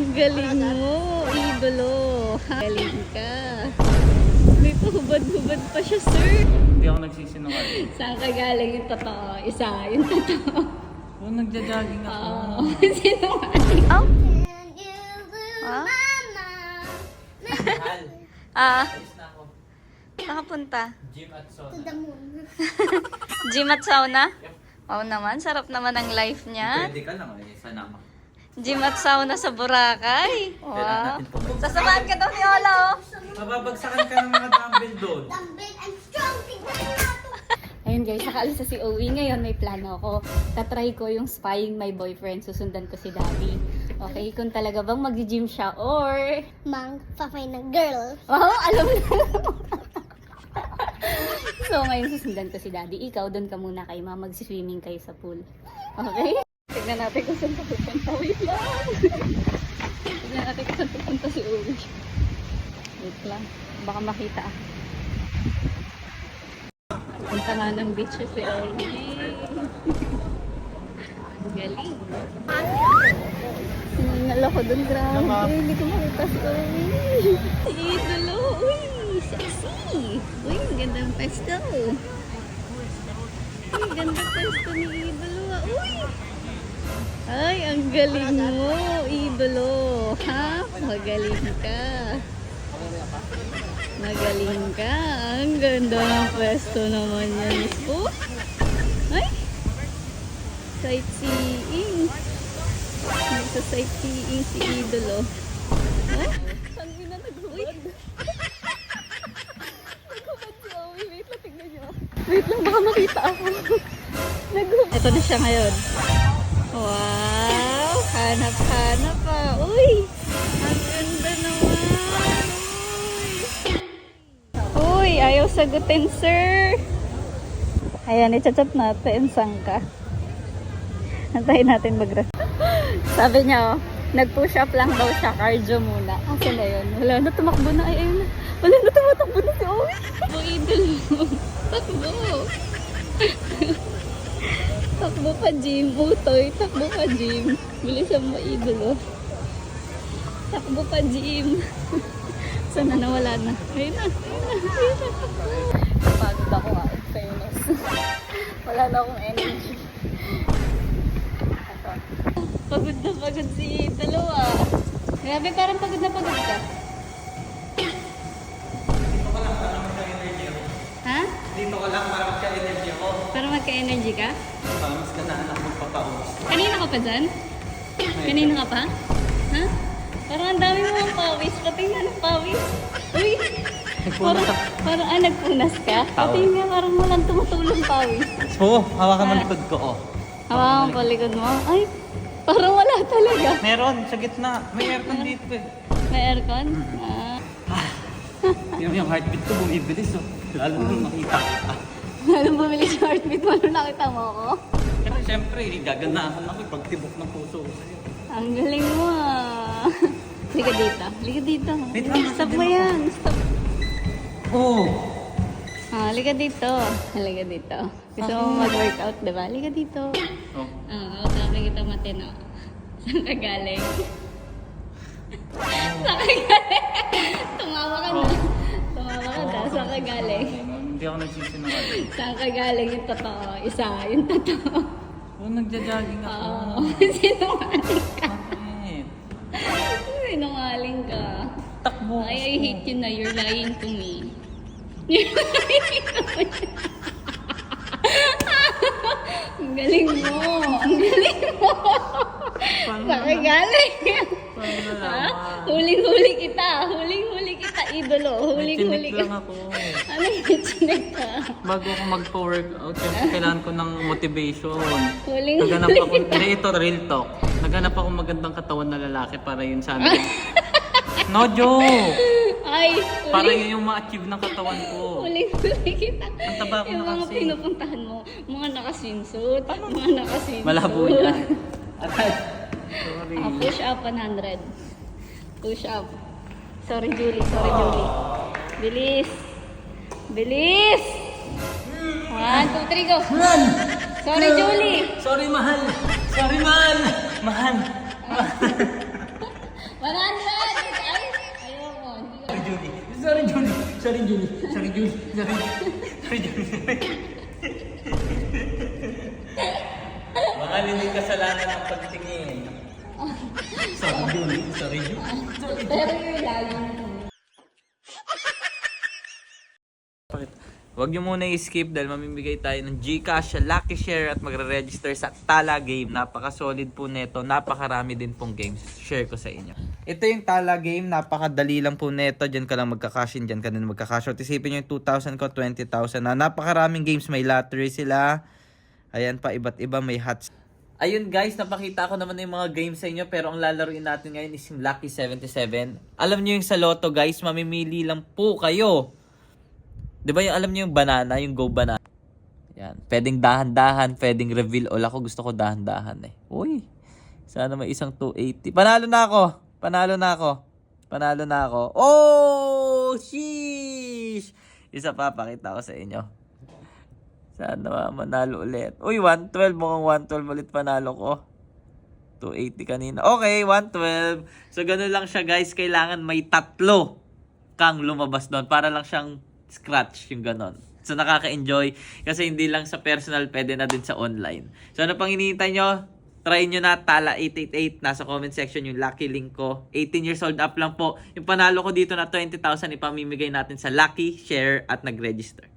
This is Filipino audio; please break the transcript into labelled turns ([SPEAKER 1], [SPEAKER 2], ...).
[SPEAKER 1] galing mo, idolo. Galing ka. May pahubad-hubad pa siya, sir.
[SPEAKER 2] Hindi ako nagsisinungaling.
[SPEAKER 1] Saan ka galing yung totoo? Isa, yung totoo.
[SPEAKER 2] Oo, nagja-jogging ako.
[SPEAKER 1] Oo. Sinungaling.
[SPEAKER 3] Oh?
[SPEAKER 1] Ah?
[SPEAKER 2] Mahal.
[SPEAKER 3] Ah,
[SPEAKER 2] Alis na ako.
[SPEAKER 3] nakapunta.
[SPEAKER 2] Gym at
[SPEAKER 4] To
[SPEAKER 2] sauna.
[SPEAKER 4] the moon.
[SPEAKER 3] Gym at sauna? Wow naman, sarap naman ang life niya.
[SPEAKER 2] Pwede ka lang eh, sa nama.
[SPEAKER 3] Gym at sauna sa Boracay.
[SPEAKER 2] Kailangan
[SPEAKER 3] Wow.
[SPEAKER 2] natin pumunta.
[SPEAKER 3] Sasamahan ka daw ni Ola, oh.
[SPEAKER 2] Mababagsakan ka ng mga dumbbell doon.
[SPEAKER 4] Dumbbell and strong. Tignan natin.
[SPEAKER 1] Ayun guys, nakaalis na si Owie. Ngayon may plano ako. Tatry ko yung spying my boyfriend. Susundan ko si Daddy. Okay, kung talaga bang mag-gym siya or...
[SPEAKER 4] Mang, papay ng girl.
[SPEAKER 1] Wow, alam mo na. So ngayon susundan ko si Daddy. Ikaw, doon ka muna kay Ma. Mag-swimming kayo sa pool. Okay? Tignan natin kung saan pupunta. Wait lang. Tignan natin kung saan pupunta si Owie. Wait lang. Baka makita ako. Punta nga ng beach si Owie. Ang galing. Sinangal ako dun, grabe. Hindi ko makita si Owie. Si Idolo. Uy, sexy. Uy, ang gandang pesto. Uy, ganda pesto ni Idolo. Uy. Ay, ang galing mo, Idolo. Ha? Magaling ka. Magaling ka. Ang ganda ng pwesto naman yan. Oh. Ay. Sightseeing. Sa sightseeing si Idolo. Oh. Ang gina nag-huwag. Nag-huwag si Owie. Wait lang, tignan nyo. Wait lang, baka makita ako. Nag-huwag. Ito na siya ngayon. Wow. Hanap-hanap pa. Uy. Ang ganda naman. Uy, ayaw sagutin, sir. Ayan, i-chat natin. Saan ka? Antayin natin mag-rest. Sabi niya, oh, nag-push up lang daw siya. Cardio muna. Asa na yun? Wala na, tumakbo na. Ay, ayun na. Wala na, tumatakbo na si Owie. Takbo, idol. Takbo. Takbo pa, gym. Utoy, takbo pa, gym. Bilisan mo, idol. Takbo pa, gym. Sana nawala na. Ayun na. Ayun na. Pagod ako nga. In fairness. Wala na akong energy. Ito. Pagod na pagod si dalawa. Grabe, parang pagod na pagod ka. Ha?
[SPEAKER 2] Dito ka lang para magka-energy ako.
[SPEAKER 1] Para magka-energy ka?
[SPEAKER 2] Mas ganahan ako magpapaus.
[SPEAKER 1] Kanina ka pa dyan? Kanina ka pa? Ha? Parang ang dami mo ang pawis. Patingnan ang pawis. Uy! Parang nagpunas ka? Patingnan, parang walang tumutulong pawis.
[SPEAKER 2] Oo, hawakan mo likod ko, oh.
[SPEAKER 1] Hawakan ko likod mo. Ay! Parang wala talaga.
[SPEAKER 2] Meron, sa gitna. May aircon dito eh.
[SPEAKER 1] May aircon?
[SPEAKER 2] Yung heartbeat ko bumibilis, oh. Lalo nung makita kita.
[SPEAKER 1] Anong bumili sa heartbeat mo nung nakita mo ako?
[SPEAKER 2] Kasi syempre, gaganahan ako pag tibok ng puso ko sa'yo.
[SPEAKER 1] Ang galing mo ah. Liga dito. Liga dito.
[SPEAKER 2] Wait lang,
[SPEAKER 1] Stop
[SPEAKER 2] nasa
[SPEAKER 1] mo
[SPEAKER 2] din
[SPEAKER 1] yan. Stop.
[SPEAKER 2] Oo.
[SPEAKER 1] Liga dito. Liga dito. Gusto mo mag-workout, diba? Liga dito.
[SPEAKER 2] Oh.
[SPEAKER 1] Sabi kita matino. Saan ka galing? Saan ka galing? Tumawa ka na. Tumawa ka na. Saan ka galing?
[SPEAKER 2] Hindi ako nagsisinungaling.
[SPEAKER 1] Saan ka galing yung totoo? Isa, yung totoo.
[SPEAKER 2] Oo, nagja-jogging ako.
[SPEAKER 1] Oo. Sinungaling ka.
[SPEAKER 2] Bakit?
[SPEAKER 1] Sinungaling ka.
[SPEAKER 2] Takbo.
[SPEAKER 1] Ay, I hate you na. You're lying to me. Ang galing mo. Ang galing mo. Saan ka galing?
[SPEAKER 2] Paano
[SPEAKER 1] Ha?
[SPEAKER 2] nalaman?
[SPEAKER 1] Huling-huli kita. Huling-huli kita, idolo. Huling-huli
[SPEAKER 2] Chinik
[SPEAKER 1] ka.
[SPEAKER 2] lang ako.
[SPEAKER 1] Ano yung chinik ka?
[SPEAKER 2] Bago ako magpa-workout, syempre kailangan ko ng motivation.
[SPEAKER 1] Huling-huli
[SPEAKER 2] Naghanap ako,
[SPEAKER 1] kita.
[SPEAKER 2] hindi ito, real talk. Naghanap ako magandang katawan na lalaki para yun sa amin. No joke!
[SPEAKER 1] Ay,
[SPEAKER 2] Para yun yung ma-achieve ng katawan ko.
[SPEAKER 1] huling-huli kita.
[SPEAKER 2] Ang taba ko
[SPEAKER 1] Yung
[SPEAKER 2] na
[SPEAKER 1] mga
[SPEAKER 2] kasi.
[SPEAKER 1] pinupuntahan mo, mga nakasinsut. Mga nakasinsut.
[SPEAKER 2] Malabo yan. Aray. Sorry.
[SPEAKER 1] Push up 100. Push up. Sorry, Julie. Sorry, Julie. Bilis. Bilis! 1, 2, 3, go! Sorry, Julie!
[SPEAKER 2] Sorry, mahal! Sorry, mahal! Mahal!
[SPEAKER 1] 1,
[SPEAKER 2] Sorry, Julie. Sorry, Julie. Sorry, Julie. Mga linig kasalanan ng pagtingin. Sorry, Julie. Sorry, Julie.
[SPEAKER 1] Pero yung lalo.
[SPEAKER 2] Huwag nyo muna i-skip dahil mamimigay tayo ng Gcash, Lucky Share at magre-register sa Tala Game. Napaka-solid po neto. Napakarami din pong games. Share ko sa inyo. Ito yung Tala Game. Napakadali lang po neto. Diyan ka lang magka-cash in. Diyan ka din magka-cash out. Isipin nyo yung 2,000 ko, 20,000 na. Napakaraming games. May lottery sila. Ayan pa, iba't iba. May hats. Ayun guys, napakita ko naman yung mga games sa inyo. Pero ang lalaruin natin ngayon is yung Lucky 77. Alam nyo yung sa Lotto guys, mamimili lang po kayo. Di ba yung alam niyo yung banana, yung Go Banana? Yan. Pwedeng dahan-dahan, pwedeng reveal all. Ako gusto ko dahan-dahan eh. Uy, sana may isang 280. Panalo na ako. Panalo na ako. Panalo na ako. Oh, sheesh! Isa pa, pakita ko sa inyo. Sana manalo ulit. Uy, 112. Mukhang 112 ulit panalo ko. 280 kanina. Okay, 112. So, ganun lang siya guys. Kailangan may 3 kang lumabas doon. Para lang siyang scratch yung ganon. So nakaka-enjoy kasi hindi lang sa personal, pwede na din sa online. So ano pang hinihintay nyo? Try nyo na Tala 888. Nasa comment section yung lucky link ko. 18 years old up lang po. Yung panalo ko dito na 20,000 ipamimigay natin sa Lucky Share at nag-register.